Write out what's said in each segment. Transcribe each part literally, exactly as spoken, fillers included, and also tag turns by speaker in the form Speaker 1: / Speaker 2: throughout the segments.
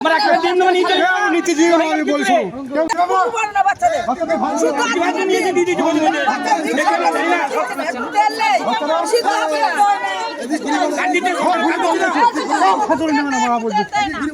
Speaker 1: আমরা একটা দিন না নিতে নিতে দিও না আমি বলছি
Speaker 2: না বাচ্চাদের বাচ্চাদের নিয়ে দিদি দিদি বলি
Speaker 1: কান্দিতে খোল খাতুন না না মারা বলছি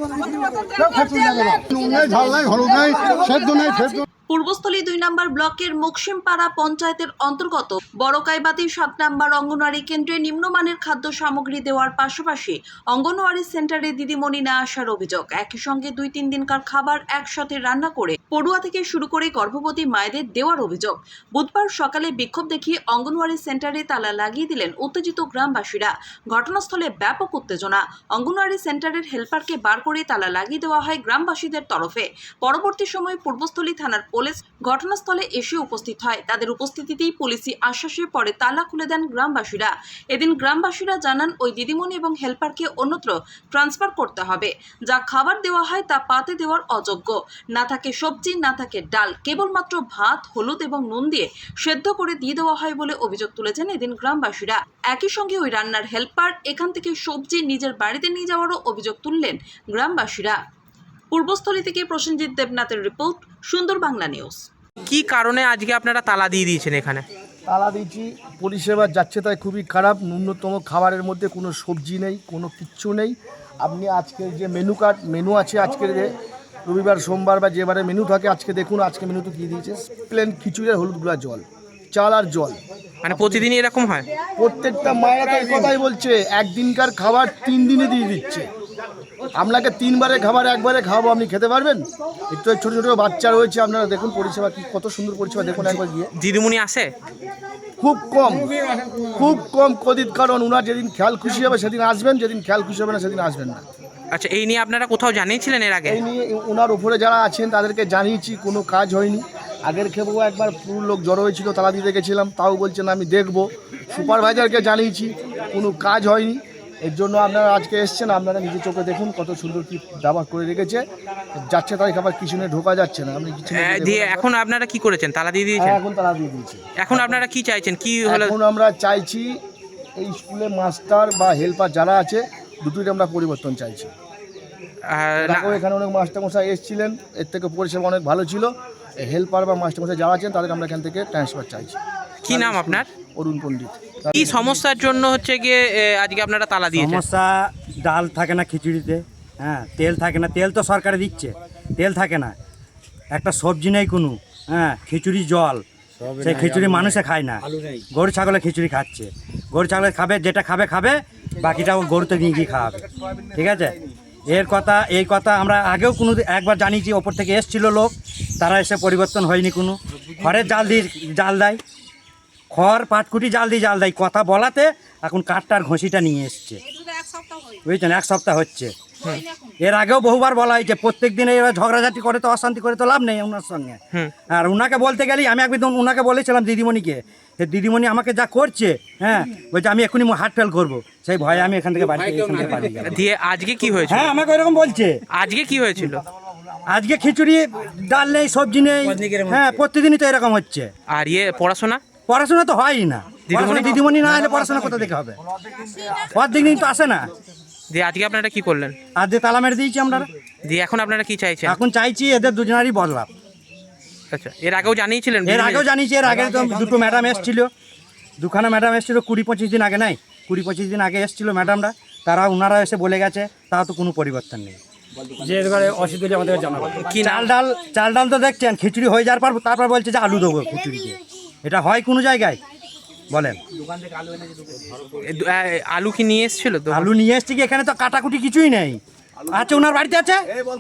Speaker 1: খাতুন না না ঝাল নাই হলুদ নাই সেদ্ধ নাই সেদ্ধ।
Speaker 3: পূর্বস্থলী দুই নম্বর ব্লকের মুকসিমপাড়া পঞ্চায়েতের অন্তর্গত বড়কাইবাতি সাত নম্বর অঙ্গনওয়াড়ি কেন্দ্রে নিম্নমানের খাদ্য সামগ্রী দেওয়ার পাশাপাশি অঙ্গনওয়াড়ি সেন্টারে দিদিমণি না আসার অভিযোগ। একই সঙ্গে দুই তিন দিনকার খাবার একসাথে রান্না করে পড়ুয়া থেকে শুরু করে গর্ভবতী মায়েদের দেওয়ার অভিযোগ। বুধবার সকালে বিক্ষোভ দেখিয়ে অঙ্গনওয়াড়ি সেন্টারে তালা লাগিয়ে দিলেন উত্তেজিত গ্রামবাসীরা। ঘটনাস্থলে ব্যাপক উত্তেজনা। অঙ্গনওয়াড়ি সেন্টারের হেল্পারকে বার করে তালা লাগিয়ে দেওয়া হয় গ্রামবাসীদের তরফে। পরবর্তী সময়ে পূর্বস্থলী থানার পুলিশ ঘটনাস্থলে এসে উপস্থিত হয়। তাদের উপস্থিতিতেই পুলিশি আশ্বাসে পরে তালা খুলে দেন গ্রামবাসীরা। এদিন গ্রামবাসীরা জানান ওই দিদিমণি এবং হেল্পারকে অন্যত্র ট্রান্সফার করতে হবে। যা খাবার দেওয়া হয় তা পাতে দেওয়ার অযোগ্য। না থাকে সবজি, না থাকে ডাল, কেবলমাত্র ভাত, হলুদ এবং নুন দিয়ে সেদ্ধ করে দিয়ে দেওয়া হয় বলে অভিযোগ তুলেছেন এদিন গ্রামবাসীরা। একই সঙ্গে ওই রান্নার হেল্পার এখান থেকে সবজি নিজের বাড়িতে নিয়ে যাওয়ারও অভিযোগ তুললেন গ্রামবাসীরা। পূর্বস্থলী থেকে প্রসেনজিৎ দেবনাথের রিপোর্ট, সুন্দর বাংলা নিউজ।
Speaker 4: কি কারণে আজকে আপনারা তালা দিয়ে দিয়েছেন এখানে?
Speaker 5: তালা দিয়েছি, পরিষেবা যাচ্ছে তাই খুবই খারাপ। ন্যূনতম খাবারের মধ্যে কোনো সবজি নেই, কোনো কিচ্ছু নেই। আপনি আজকের যে মেনু কার্ড মেনু আছে, আজকের যে রবিবার সোমবার বা যেবারে মেনু থাকে, আজকে দেখুন আজকে মেনুতে কী দিয়েছে, প্লেন খিচুড়ি আর হলুদ গুঁড়া জল, চাল আর জল।
Speaker 4: মানে প্রতিদিনই এরকম হয়?
Speaker 5: প্রত্যেকটা মায়েরা তো এই কথাই বলছে, একদিনকার খাবার তিন দিনে দিয়ে দিচ্ছে। আপনাকে তিনবারে খাবার একবারে খাওয়াবো, আপনি খেতে পারবেন? একটু ছোটো ছোটো বাচ্চা রয়েছে, আপনারা দেখুন পরিষেবা কি কত সুন্দর পরিষেবা, দেখুন একবার গিয়ে।
Speaker 4: দিদিমণি আসে
Speaker 5: খুব কম, খুব কম কদিত, কারণ ওনার যেদিন খেয়াল খুশি হবে সেদিন আসবেন, যেদিন খেয়াল খুশি হবে না সেদিন আসবেন না।
Speaker 4: আচ্ছা, এই নিয়ে আপনারা কোথাও জানিয়েছিলেন এর আগে?
Speaker 5: এই নিয়ে ওনার উপরে যারা আছেন তাদেরকে জানিয়েছি, কোনো কাজ হয়নি। আগের খেপেও একবার পুরো লোক জড়ো হয়েছিল, তালা দিতে গেছিলাম, তাও বলছেন আমি দেখব। সুপারভাইজারকে জানিয়েছি, কোনো কাজ হয়নি। এর জন্য আপনারা আজকে এসছেন, আপনারা নিজে চোখে দেখুন কত সুন্দর কি দাবা করে রেখেছে। যাচ্ছে তাই খাবার কিচেনে ঢোকা যাচ্ছে না। আপনি কিচেনে
Speaker 4: দিয়ে এখন আপনারা কি করেছেন? তালা দিয়ে দিয়েছেন?
Speaker 5: এখন তালা দিয়ে দিয়েছি।
Speaker 4: এখন আপনারা কি চাইছেন? কি হলো?
Speaker 5: এখন আমরা চাইছি এই স্কুলে মাস্টার বা হেল্পার যারা আছে দুটোই আমরা পরিবর্তন চাইছি। এখানে অনেক মাস্টারমশাই এসেছিলেন, এর থেকে পরিষেবা অনেক ভালো ছিল। হেল্পার বা মাস্টারমশাই যারা আছেন তাদের আমরা এখান থেকে ট্রান্সফার চাইছি।
Speaker 4: কি নাম আপনার?
Speaker 5: অরুণ পণ্ডিত।
Speaker 4: কি সমস্যার জন্য হচ্ছে গিয়ে আজকে আপনারা তালা দিয়েছেন?
Speaker 6: সমস্যা, ডাল থাকে না খিচুড়িতে, হ্যাঁ, তেল থাকে না, তেল তো সরকারে দিচ্ছে, তেল থাকে না, একটা সবজি নেই কোনো, হ্যাঁ, খিচুড়ি জল, সেই খিচুড়ি মানুষে খায় না, গরু ছাগলে খিচুড়ি খাচ্ছে। গরু ছাগলে খাবে, যেটা খাবে খাবে, বাকিটা গরুতে নিয়ে গিয়ে খাওয়াবে, ঠিক আছে? এর কথা এই কথা আমরা আগেও কোনো একবার জানিয়েছি, ওপর থেকে এসছিল লোক, তারা এসে পরিবর্তন হয়নি কোনো। খড়ের জাল দিয়ে জাল দেয়, খড় পাটকুটি জাল দিয়ে জাল দেয়, কথা বলাতে এখন কাঠটার ঘষিটা নিয়ে এসছে, বুঝছেন? এক সপ্তাহ হচ্ছে। এর আগেও বহুবার বলা হয়েছে, প্রত্যেক দিন এরা ঝগড়াঝাটি করে তো অশান্তি করে তো লাভ নেই ওনার সঙ্গে। আর ওনাকে বলতে গেলেই আমি একদিন ওনাকে বলেছিলাম দিদিমণিকে, দিদিমণি আমাকে যা করছে, হ্যাঁ, বলছে আমি এখনই হার্ট ফেল করবো, সেই ভয়ে আমি এখান থেকে বাড়ি এখান থেকে পালিয়ে গেলাম।
Speaker 4: দিয়ে আজকে কি হয়েছে?
Speaker 6: হ্যাঁ, আমাকে এরকম বলছে।
Speaker 4: আজকে কি হয়েছিল?
Speaker 6: আজকে খিচুড়ি ডাল নেই, সবজি নেই, হ্যাঁ, প্রতিদিনই তো এরকম হচ্ছে।
Speaker 4: আর ইয়ে পড়াশোনা
Speaker 6: পড়াশোনা তো হয়ই না, দিদিমণি দিদিমণি না এলে পড়াশোনা কোথা থেকে হবে? অর্ধেক দিন তো আসে না।
Speaker 4: দিয়ে আজকে আপনারা কি করলেন?
Speaker 6: আজ যে তালা মেরে দিয়েছি আমরা।
Speaker 4: দিয়ে এখন আপনারা কি চাইছেন?
Speaker 6: এখন চাইছি এদের দুজনেরই বদলাম।
Speaker 4: আচ্ছা, এর আগেও জানিয়েছিলেন?
Speaker 6: এর আগেও জানিয়েছি, এর আগে তো দুটো ম্যাডাম এসেছিল, দুখানা ম্যাডাম এসেছিল কুড়ি পঁচিশ দিন আগে, নাই কুড়ি পঁচিশ দিন আগে এসেছিল ম্যাডামরা, তারা ওনারা এসে বলে গেছে, তাও তো কোনো পরিবর্তন নেই।
Speaker 1: যে এবারে অসুবিধা আমাদের জানাবো।
Speaker 6: কি চাল ডাল চাল ডাল তো দেখছেন, খিচুড়ি হয়ে যাওয়ার পর তারপর বলছে যে আলু দেবো খিচুড়িতে। এটা হয় কোনো জায়গায় বলেন?
Speaker 4: আলু কি নিয়ে এসেছিল? তো
Speaker 6: আলু নিয়ে এসছি কি, এখানে তো কাটাকুটি কিছুই নেই। আচ্ছা, ওনার বাড়িতে আছে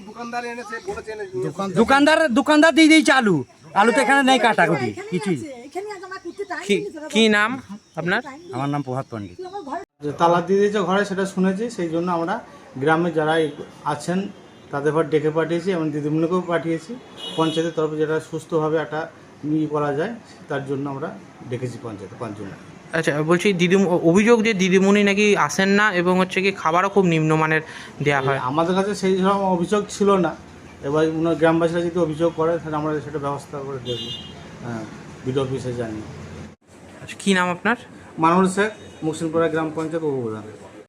Speaker 6: দোকানদার, দোকানদার দিয়ে দিয়েছে আলু, আলু তো এখানে নেই কাটাকুটি কিছুই।
Speaker 4: কি নাম আপনার?
Speaker 6: আমার নাম প্রভাত পণ্ডিত।
Speaker 7: তালা দিয়ে দিয়েছে ঘরে, সেটা শুনেছি, সেই জন্য আমরা গ্রামে যারা আছেন তাদের পর ডেকে পাঠিয়েছি এবং দিদিমণিকেও পাঠিয়েছি। পঞ্চায়েতের তরফে যেটা সুস্থভাবে একটা নিয়ে করা যায় তার জন্য আমরা ডেকেছি পঞ্চায়েতে পাঁচজন।
Speaker 4: আচ্ছা, বলছি দিদি, অভিযোগ যে দিদিমণি নাকি আসেন না এবং হচ্ছে কি খাবারও খুব নিম্নমানের দেওয়া হয়।
Speaker 7: আমাদের কাছে সেই রকম অভিযোগ ছিল না, এবার ওনার গ্রামবাসীরা যদি অভিযোগ করে তাহলে আমরা সেটা ব্যবস্থা করে দেখব। হ্যাঁ, বিডিও অফিসে জানি।
Speaker 4: কী নাম আপনার?
Speaker 7: মানুষ শেখ, মুকসিমপাড়া গ্রাম পঞ্চায়েত উপপ্রধান।